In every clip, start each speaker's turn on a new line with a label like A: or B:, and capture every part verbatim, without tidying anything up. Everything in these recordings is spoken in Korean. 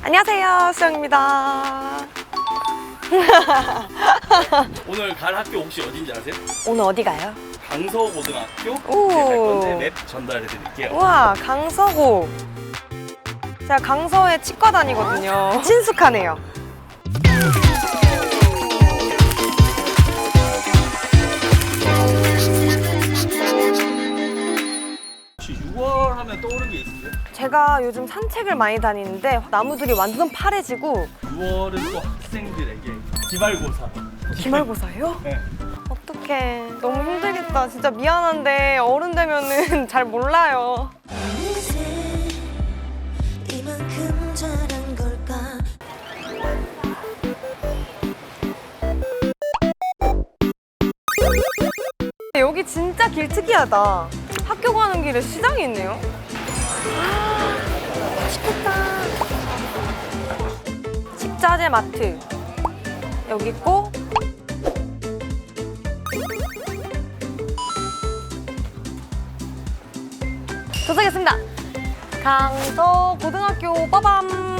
A: 안녕하세요, 수영입니다.
B: 오늘 갈 학교 혹시 어딘지 아세요?
A: 오늘 어디 가요?
B: 강서고등학교
A: 오.
B: 이제 갈 건데 맵 전달해 드릴게요.
A: 우와, 강서고. 제가 강서에 치과 다니거든요. 친숙하네요.
B: 혹시 유월 하면 떠오르는 게 있으세요?
A: 제가 요즘 산책을 많이 다니는데 나무들이 완전 파래지고.
B: 유월은 또 학생들에게 기말고사.
A: 기말고사예요?
B: 네.
A: 어떡해. 너무 힘들겠다. 진짜 미안한데 어른 되면은 잘 몰라요.
C: 이만큼 잘한 걸까?
A: 여기 진짜 길 특이하다. 학교 가는 길에 시장이 있네요. 아, 맛있겠다. 식자재 마트 여기 있고, 도착했습니다. 강서 고등학교 빠밤.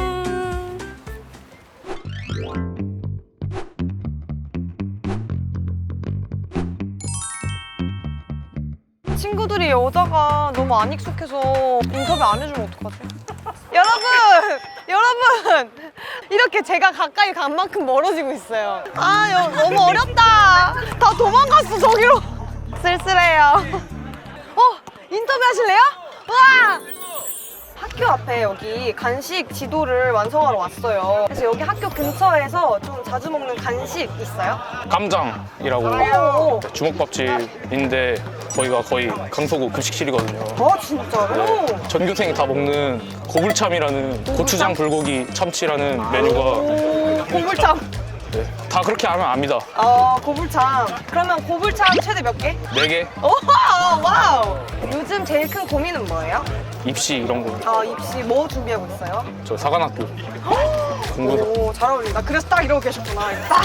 A: 친구들이 여자가 너무 안 익숙해서 인터뷰 안 해주면 어떡하지? 여러분! 여러분! 이렇게 제가 가까이 간 만큼 멀어지고 있어요. 아, 여, 너무 어렵다. 다 도망갔어, 저기로. 쓸쓸해요. 어? 인터뷰 하실래요? 우와! 학교 앞에 여기 간식 지도를 완성하러 왔어요. 그래서 여기 학교 근처에서 좀 자주 먹는 간식 있어요?
D: 깜장이라고
A: 오.
D: 주먹밥집인데 거기가 거의 강서구 급식실이거든요.
A: 어, 진짜로?
D: 전교생이 다 먹는 고불참이라는 고추장 불고기 참치라는 메뉴가
A: 오, 고불참.
D: 네, 다 그렇게 하면 압니다.
A: 어, 고불참. 그러면 고불참 최대 몇 개?
D: 네 개
A: 오, 와우! 요즘 제일 큰 고민은 뭐예요?
D: 입시 이런 거.
A: 아, 입시 뭐 준비하고 있어요?
D: 저 사관학교 공부서.
A: 오, 잘 어울린다. 그래서 딱 이러고 계셨구나. 딱.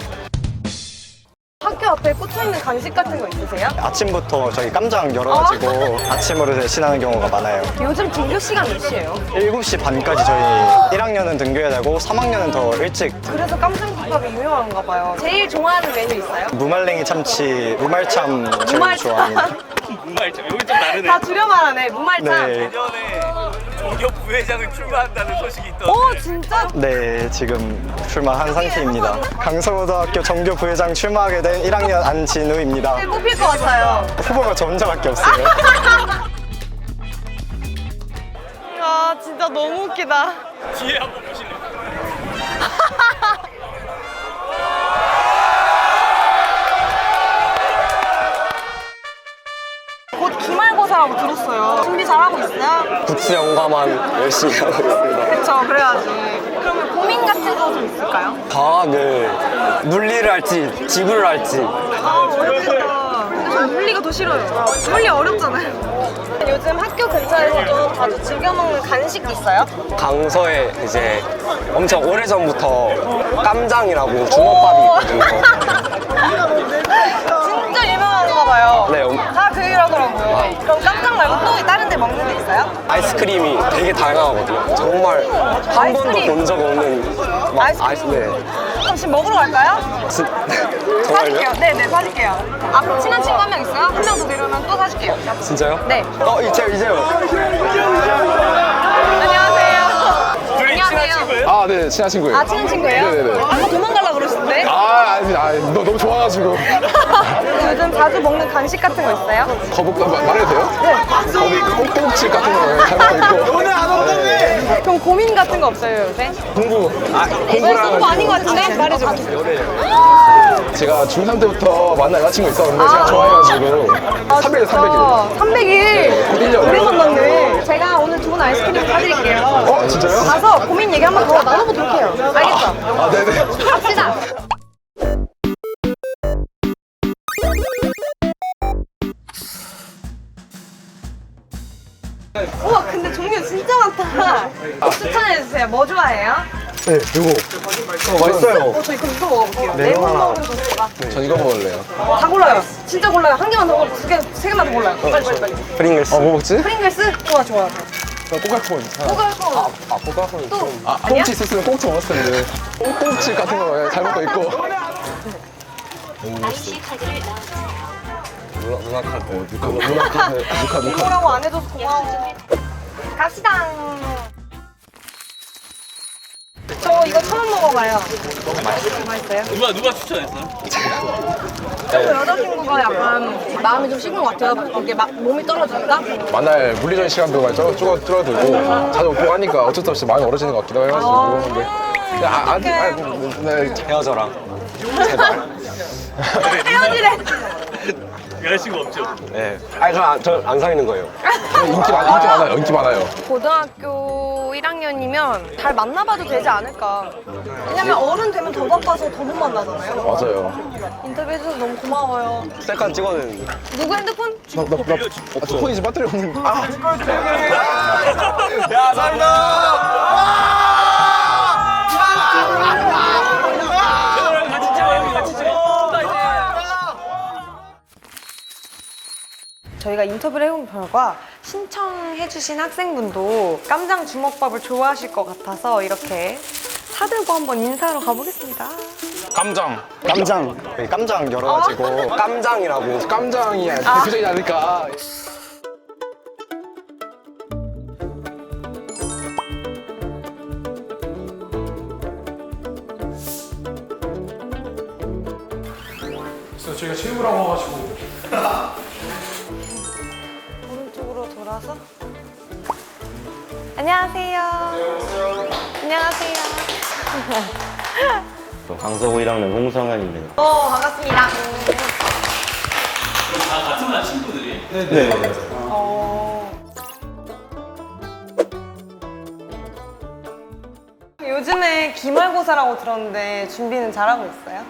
A: 학교 앞에 꽂혀있는 간식 같은 거 있으세요?
E: 아침부터 저희 깜장 열어가지고 아. 아침으로 대신하는 경우가 많아요.
A: 요즘 등교 시간 몇 시예요?
E: 일곱 시 반까지 저희 일 학년은 등교해야 되고 삼 학년은 더 일찍.
A: 그래서 깜장국밥이 유명한가 봐요. 제일 좋아하는 메뉴 있어요?
E: 무말랭이 참치, 무말참 제일
A: 무말참.
E: 좋아합니다.
B: 무말참 여기 좀 다르네.
A: 다 줄여 말하네. 무말참.
E: 네.
B: 내년에 종교 부회장을 출마한다는 소식이 있던데.
A: 오, 진짜?
E: 네, 지금 출마한 상태입니다. 강서고등학교 정교 부회장 출마하게 된 일 학년 안진우입니다.
A: 네, 뽑힐 것 같아요.
E: 후보가 저 혼자밖에 없어요.
A: 아, 진짜 너무 웃기다.
B: 뒤에 한번 보실래요?
A: 곧 기말고사라고 들었어요. 준비 잘하고 있어요?
E: 국수 연과만 열심히 하고 있습니다.
A: 그쵸, 그래야지. 그러면 고민 같은 거 좀 있을까요?
E: 과학을 물리를 할지 지구를 할지.
A: 아, 어렵겠다. 근데 전 물리가 더 싫어요. 물리 어렵잖아요. 요즘 학교 근처에서 좀 자주 즐겨 먹는 간식 있어요?
E: 강서에 이제 엄청 오래전부터 깜장이라고 주먹밥이 있거든요.
A: 진짜 유명한가 봐요.
E: 네, 음.
A: 다 그 일하더라고요. 그럼 깜짝 말고 또 다른 데 먹는 데 있어요?
E: 아이스크림이 되게 다양하거든요. 정말 한 번도
A: 아이스크림?
E: 본 적 없는 막
A: 아이스크림?
E: 아이스, 네.
A: 그럼 지금 먹으러 갈까요?
E: 진-
A: 사줄게요.
E: 정말요?
A: 네네, 사줄게요. 앞 친한 친구 한 명 있어요? 한 명 더 데려오면 또 사줄게요.
E: 진짜요?
A: 네.
E: 어, 이제 이제요.
A: 안녕하세요.
B: 둘이 친한
A: 안녕하세요.
B: 친구예요?
F: 아, 네, 친한 친구예요.
A: 아, 친한 친구예요?
F: 네네네.
A: 아까 도망가려고 그러시던데?
F: 아, 아니, 아, 너 너무 좋아가지고.
A: 요즘 자주 먹는 간식 같은 거 있어요?
F: 거북, 마- 말해도 돼요? 네. 거북, 꼬북집 같은 거 잘 먹고 있고. 오늘 안 온다며!
A: 그럼 고민 같은 거 없어요, 요새?
F: 공부. 아,
A: 왜 공부 아닌 것 같은데? 말해줘.
F: 제가 중삼 때부터 만난 여자친구 있었는데
A: 아.
F: 제가 좋아해가지고. 삼백 일, 삼백 일.
A: 삼백 일?
F: 일 년.
A: 오래 만났네. 제가 오늘 좋은 아이스크림 사드릴게요.
F: 어, 진짜요?
A: 가서 고민 얘기 한 번 더 나눠보도록 해요. 알겠죠?
F: 아, 네네.
A: 갑시다. 우와, 근데 종류 진짜 많다. 추천해주세요. 뭐 좋아해요?
E: 네, 이거. 어, 맛있어요.
A: 어, 저 이거 이거 먹어볼게요.
E: 네,
A: 레몬
E: 하나.
A: 먹는 소스가.
F: 전 이거 먹을래요.
A: 다 골라요. 진짜 골라요. 한 개만 더 골라요. 두 개, 세 개만 더 골라요. 빨리, 빨리, 빨리.
E: 프링글스.
F: 어, 뭐 먹지?
A: 프링글스? 좋아, 좋아.
F: 꼬깔콘.
A: 꼬깔콘.
F: 아, 아 꼬깔콘
A: 또
F: 좀. 아,
A: 아니야?
F: 꽁치 있었으면 꽁치 먹었을 텐데. 꽁치 같은 거 잘못 거 있고.
C: 아이씨 카드를 넣어주세요.
F: 누나 누나 카드. 어, 누나 누나 카드. 누나 카드.
A: 이거라고 안 해줘서 고마워. 갑시다. 저 이거 처음 먹어봐요. 맛있어요?
B: 누가 누가 추천했어?
A: 저 여자친구가 약간 마음이 좀 식은 것 같아요. 이게 막 몸이 떨어진다?
F: 만날 물리적인 시간도 많이 줄- 줄- 줄어들고 자주 오고 하니까 어쩔 수 없이 마음이 멀어지는 것 같기도 해가지고 근데 그냥 아, 아, 아, 네,
E: 헤어져라.
A: 헤어지래.
B: 여자친구 없죠?
E: 네. 아니 저안 사귀는 거예요.
F: 인기, 많, 인기 많아요 인기 많아요
A: 고등학교 일 학년이면 잘 만나봐도 되지 않을까. 왜냐면 어른 되면 더 바빠서 더 못 만나잖아요.
F: 맞아요.
A: 인터뷰해줘서 너무 고마워요.
E: 셀카 찍어는
A: 누구 핸드폰?
F: 나, 나, 나, 어, 폰이 지금 배터리 없는 아
E: 야 살다.
B: 같이 찍어 같이 찍어.
A: 저희가 인터뷰를 해본 결과 신청해주신 학생분도 깜장 주먹밥을 좋아하실 것 같아서 이렇게 사들고 한번 인사하러 가보겠습니다.
D: 깜장.
E: 깜장. 여기 깜장 열어가지고 깜장이라고.
F: 깜장이 대표적이지 않을까.
G: 그래서 저희가 체육을 하고 와가지고
A: 오른쪽으로 돌아서. 안녕하세요. 안녕하세요.
H: 강서구 일 학년 홍성현입니다.
A: 어, 반갑습니다.
B: 다 같은 반 친구들이.
H: 네.
A: 어... 요즘에 기말고사라고 들었는데 준비는 잘하고 있어요?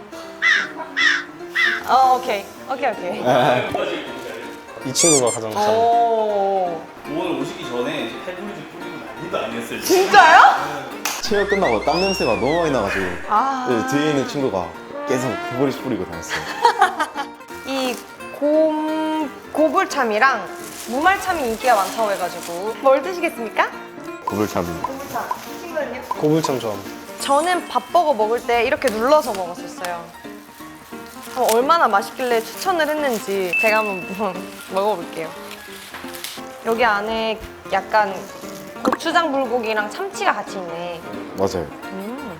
A: 어, 오케이. 오케이, 오케이.
E: 이 친구가 가장 잘.
A: 오.
B: 오늘 오시기 전에 페브리즈 뿌리고 난리도 아니었어요.
A: 진짜요?
H: 체육 끝나고 땀 냄새가 너무 많이 나가지고
A: 아.
H: 네, 뒤에 있는 친구가 계속 구부리 뿌리고 다녔어요.
A: 이 곰, 고불참이랑 무말참이 인기가 많다고 해가지고 뭘 드시겠습니까?
H: 구불참.
A: 고불참. 친구는요?
E: 고불참 좋아합니다.
A: 저는 밥버거 먹을 때 이렇게 눌러서 먹었었어요. 어, 얼마나 맛있길래 추천을 했는지 제가 한번 먹어볼게요. 여기 안에 약간 고추장 불고기랑 참치가 같이 있네.
H: 맞아요.
A: 음,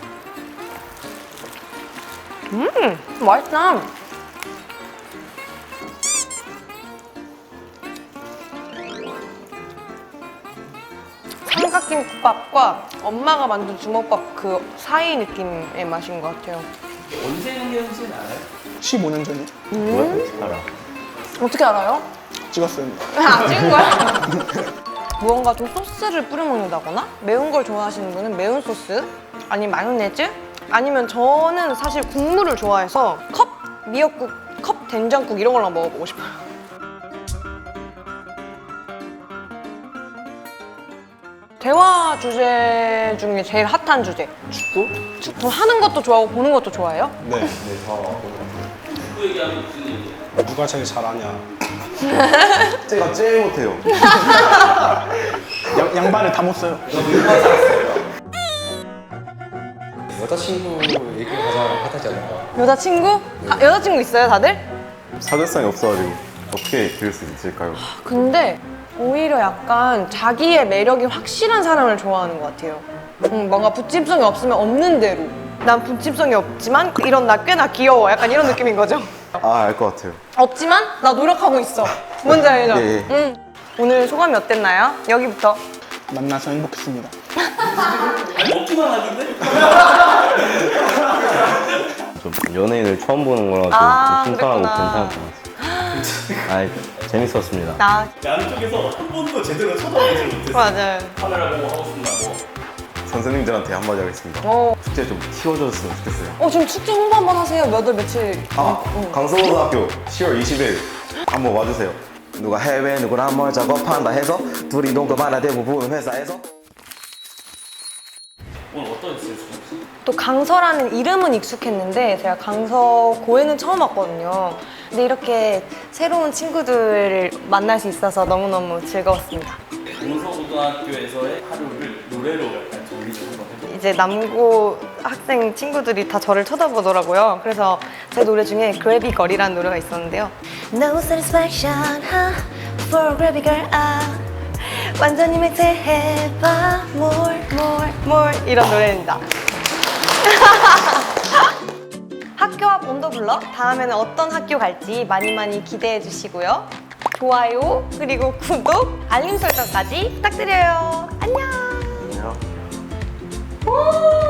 A: 음 맛있다. 삼각김밥과 엄마가 만든 주먹밥 그 사이 느낌의 맛인 것 같아요.
B: 언제 생겼는지는 알아요?
F: 십오 년 전에
A: 음?
H: 알아.
A: 어떻게 알아요?
F: 찍었어요.
A: 아, 찍은 거야? 무언가 좀 소스를 뿌려 먹는다거나 매운 걸 좋아하시는 분은 매운 소스 아니면 마요네즈 아니면 저는 사실 국물을 좋아해서 컵 미역국, 컵 된장국 이런 걸랑 먹어보고 싶어요. 대화 주제 중에 제일 핫한 주제 축구? 축구 하는 것도 좋아하고 보는 것도 좋아해요?
E: 네.
B: 축구 얘기하면 무슨 얘기예요?
E: 누가 제일 잘하냐.
H: 제가 제일 못해요.
F: 양, 양반을 다 못 써요.
E: 여자친구 얘기가 가장 핫하지 않을까.
A: 여자친구? 아, 여자친구 있어요 다들?
H: 사교성이 없어가지고 어떻게 그릴 수 있을까요?
A: 근데 오히려 약간 자기의 매력이 확실한 사람을 좋아하는 것 같아요. 음, 뭔가 붙임성이 없으면 없는 대로. 난 붙임성이 없지만 이런 나 꽤나 귀여워. 약간 이런 느낌인 거죠.
H: 아, 알 것 같아요.
A: 없지만 나 노력하고 있어. 뭔지 알죠?
H: 예, 예.
A: 응. 오늘 소감이 어땠나요? 여기부터.
F: 만나서 행복했습니다.
B: 아니 먹기만 하는데?
H: 좀 연예인을 처음 보는 거라서
A: 아,
H: 좀 신선하고
A: 그랬구나.
H: 괜찮았던 것 같아요. 아, 재밌었습니다.
A: 나
B: 양쪽에서 한 번도 제대로 쳐다보지 못했어요.
A: 맞아요.
B: 카메라 보고 하고 싶은 말 뭐.
H: 선생님들한테 한마디 하겠습니다.
A: 어,
H: 축제 좀 키워줬으면 좋겠어요.
A: 어 지금 축제 홍보 한번 하세요. 몇 월 며칠.
H: 아,
A: 응.
H: 강서고등학교 시월 이십일 한번 와주세요. 누가 해외 누구랑 뭘 작업한다 해서 둘이 동급 하나 대부분 회사에서
B: 오늘 어떠셨어요?
A: 또 강서라는 이름은 익숙했는데 제가 강서고에는 처음 왔거든요. 근데 이렇게 새로운 친구들을 만날 수 있어서 너무너무 즐거웠습니다.
B: 동서고등학교에서의 하루를 노래로 약간 정리 좀 한번 해볼까요?
A: 이제 남고 학생 친구들이 다 저를 쳐다보더라고요. 그래서 제 노래 중에 그래비 걸이라는 노래가 있었는데요.
C: No satisfaction huh? For a gravy girl ah. 완전히 맹세해봐 more
A: more, more 이런 노래입니다. 학교 앞 온도 블럭 다음에는 어떤 학교 갈지 많이 많이 기대해 주시고요. 좋아요 그리고 구독, 알림 설정까지 부탁드려요. 안녕.
H: 안녕.
A: 오!